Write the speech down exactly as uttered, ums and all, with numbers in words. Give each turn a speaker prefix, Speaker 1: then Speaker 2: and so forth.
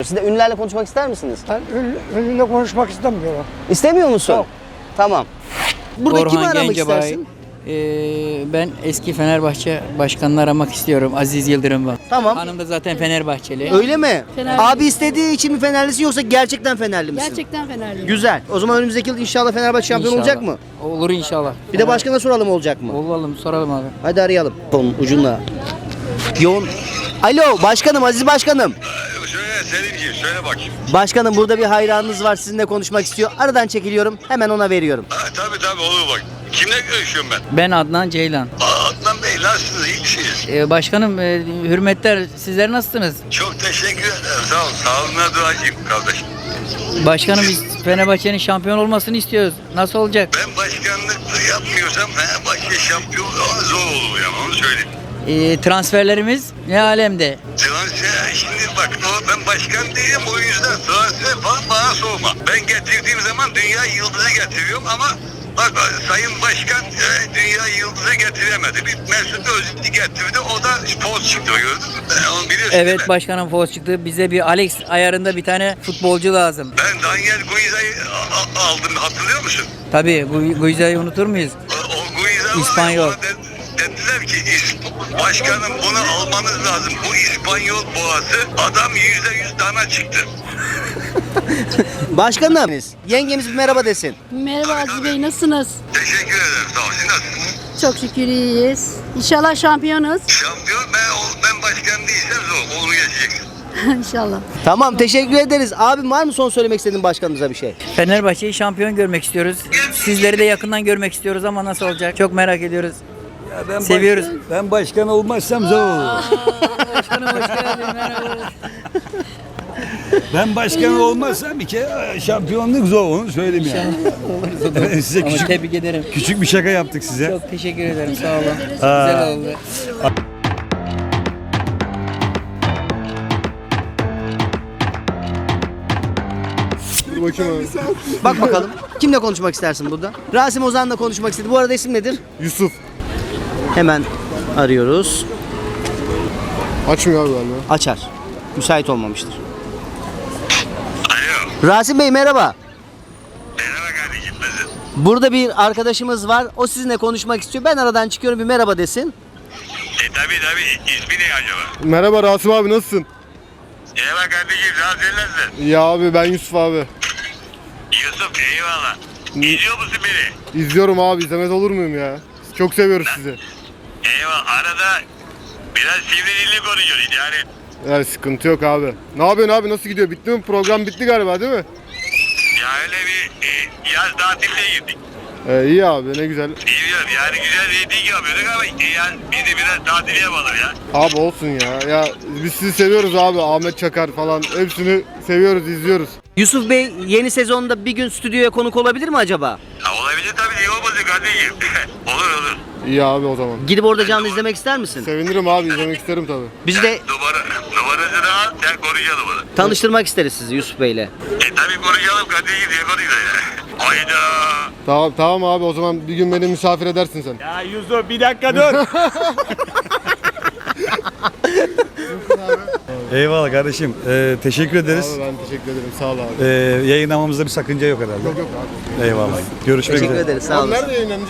Speaker 1: Siz de ünlülerle konuşmak ister misiniz?
Speaker 2: Ben ünlü, ünlüyle konuşmak istemiyorum.
Speaker 1: İstemiyor musun?
Speaker 2: Yok.
Speaker 1: Tamam. Burada kimi
Speaker 3: Orhan
Speaker 1: aramak
Speaker 3: Gencebay.
Speaker 1: istersin?
Speaker 3: Ee, ben eski Fenerbahçe başkanını aramak istiyorum. Aziz Yıldırım var.
Speaker 1: Tamam.
Speaker 3: Hanım da zaten Fenerbahçeli.
Speaker 1: Öyle mi?
Speaker 4: Fenerli.
Speaker 1: Abi istediği için mi Fenerlisin yoksa gerçekten Fenerli misin?
Speaker 4: Gerçekten Fenerliyim.
Speaker 1: Güzel. O zaman önümüzdeki yıl inşallah Fenerbahçe şampiyon
Speaker 3: İnşallah.
Speaker 1: olacak mı?
Speaker 3: Olur inşallah.
Speaker 1: Bir de başkana soralım olacak mı?
Speaker 3: Olalım, soralım abi.
Speaker 1: Hadi arayalım. Onun ucunda. Yoğun. Alo başkanım, Aziz başkanım.
Speaker 5: Söyle Selimciğim, söyle bakayım.
Speaker 1: Başkanım burada bir hayranınız var, sizinle konuşmak istiyor. Aradan çekiliyorum, hemen ona veriyorum.
Speaker 5: Ha, tabii tabii olur bak. Kimle görüşüyorum ben?
Speaker 3: Ben Adnan Ceylan.
Speaker 5: Aa, Adnan Bey nasılsınız? İyi misiniz?
Speaker 3: Ee, başkanım e, hürmetler, sizler nasılsınız?
Speaker 5: Çok teşekkür ederim. Sağ ol. Sağlığına duacıyım kardeşim.
Speaker 3: Başkanım biz Fenerbahçe'nin şampiyon olmasını istiyoruz. Nasıl olacak?
Speaker 5: Ben başkanlık yapmıyorsam Fenerbahçe şampiyon ama zor olur yani onu söyleyeyim.
Speaker 3: Ee, transferlerimiz ne alemde?
Speaker 5: Transfer şimdi bak o, ben başkan değilim o yüzden transfer falan bana sorma. Ben getirdiğim zaman dünya yıldızı getiriyorum ama bak Sayın Başkan e, dünya yıldızı getiremedi. Bir Mesut Özil getirdi o da poz çıktı gördün mü? Ben onu biliyorsun değil
Speaker 3: Evet
Speaker 5: mi?
Speaker 3: başkanım Foz çıktı. Bize bir Alex ayarında bir tane futbolcu lazım.
Speaker 5: Ben Daniel Guiza'yı a- a- aldım hatırlıyor musun?
Speaker 3: Tabii Gu- Guiza'yı unutur muyuz?
Speaker 5: O, o Guiza var ya,
Speaker 3: İspanyol.
Speaker 5: ona de- dediler ki "İsp- başkanım bunu almanız lazım. Bu İspanyol boğası adam yüzde yüz dana çıktı.
Speaker 1: Başkanım, yengemiz bir merhaba desin.
Speaker 4: Merhaba Aziz Bey, nasılsınız?
Speaker 5: Teşekkür ederim sağ olun. Siz nasılsınız?
Speaker 4: Çok şükür iyiyiz. İnşallah şampiyonuz.
Speaker 5: Şampiyon ben, ol- ben başkan değilsem zor. Onu geçeceksin.
Speaker 4: İnşallah.
Speaker 1: Tamam, teşekkür ederiz. Abim var mı son söylemek istediğin başkanımıza bir şey?
Speaker 3: Fenerbahçe'yi şampiyon görmek istiyoruz. Sizleri de yakından görmek istiyoruz ama nasıl olacak? Çok merak ediyoruz.
Speaker 6: Ben
Speaker 3: Seviyoruz.
Speaker 6: Baş, ben başkan olmazsam zor olur.
Speaker 3: Başkanım hoş geldin. Merhaba.
Speaker 6: Ben başkan olmazsam bir kere şampiyonluk zor onu söyleyeyim yani. Evet, size
Speaker 3: Ama
Speaker 6: küçük,
Speaker 3: tebrik ederim.
Speaker 6: küçük bir şaka yaptık size.
Speaker 3: Çok teşekkür ederim. Sağ olun.
Speaker 6: Aa.
Speaker 3: Güzel oldu.
Speaker 1: Bak bakalım. Kimle konuşmak istersin burada? Rasim Ozan'la konuşmak istedi. Bu arada isim nedir?
Speaker 7: Yusuf.
Speaker 1: Hemen arıyoruz.
Speaker 7: Açmıyor abi galiba.
Speaker 1: Açar. Müsait olmamıştır.
Speaker 5: Alo.
Speaker 1: Rasim Bey merhaba.
Speaker 5: Merhaba kardeşim nasılsın?
Speaker 1: Burada bir arkadaşımız var. O sizinle konuşmak istiyor. Ben aradan çıkıyorum, bir merhaba desin.
Speaker 5: E tabi tabi. İsmi ne acaba?
Speaker 7: Merhaba Rasim abi nasılsın?
Speaker 5: Merhaba kardeşim. Nasılsın nasılsın?
Speaker 7: Ya abi ben Yusuf abi.
Speaker 5: Yusuf eyvallah. İzliyor musun beni?
Speaker 7: İzliyorum abi, izlemez olur muyum ya? Çok seviyoruz sizi.
Speaker 5: Eyvallah. Arada biraz sivri dilli konuşuyoruz yani.
Speaker 7: Yani sıkıntı yok abi. Ne yapıyorsun abi, nasıl gidiyor? Bitti mi? Program bitti galiba değil mi?
Speaker 5: Ya öyle bir e, yaz tatiline girdik.
Speaker 7: Ee, iyi abi, ne güzel.
Speaker 5: Biliyorum yani güzel reyting yapıyorduk ama e, yani biz de biraz tatil yapalım ya.
Speaker 7: Abi olsun ya. Ya biz sizi seviyoruz abi. Ahmet Çakar falan. Hepsini seviyoruz, izliyoruz.
Speaker 1: Yusuf Bey yeni sezonda bir gün stüdyoya konuk olabilir mi acaba?
Speaker 5: Ha, olabilir tabii niye olmasın kardeşim. olur olur.
Speaker 7: İyi abi o zaman.
Speaker 1: Gidip orada canlı izlemek ister misin?
Speaker 7: Sevinirim abi, izlemek isterim tabii.
Speaker 1: Bizi de
Speaker 5: Numara, numarasını al sen konuşalım onu.
Speaker 1: tanıştırmak isteriz sizi Yusuf Bey'le.
Speaker 5: E tabii konuşalım kardeşim diye konuşalım ya. Hayda.
Speaker 7: Tamam, tamam abi, o zaman bir gün beni misafir edersin sen.
Speaker 6: Ya Yusuf bir dakika dur. Eyvallah kardeşim. Ee, teşekkür ederiz.
Speaker 7: Abi ben teşekkür ederim, sağ ol abi.
Speaker 6: Ee, yayınlamamızda bir sakınca yok herhalde.
Speaker 7: Yok yok abi.
Speaker 6: Eyvallah. Görüşmek
Speaker 1: Teşekkür
Speaker 6: üzere.
Speaker 1: ederiz. Sağ
Speaker 7: Abi
Speaker 1: olun.
Speaker 7: nerede yayınlanacak?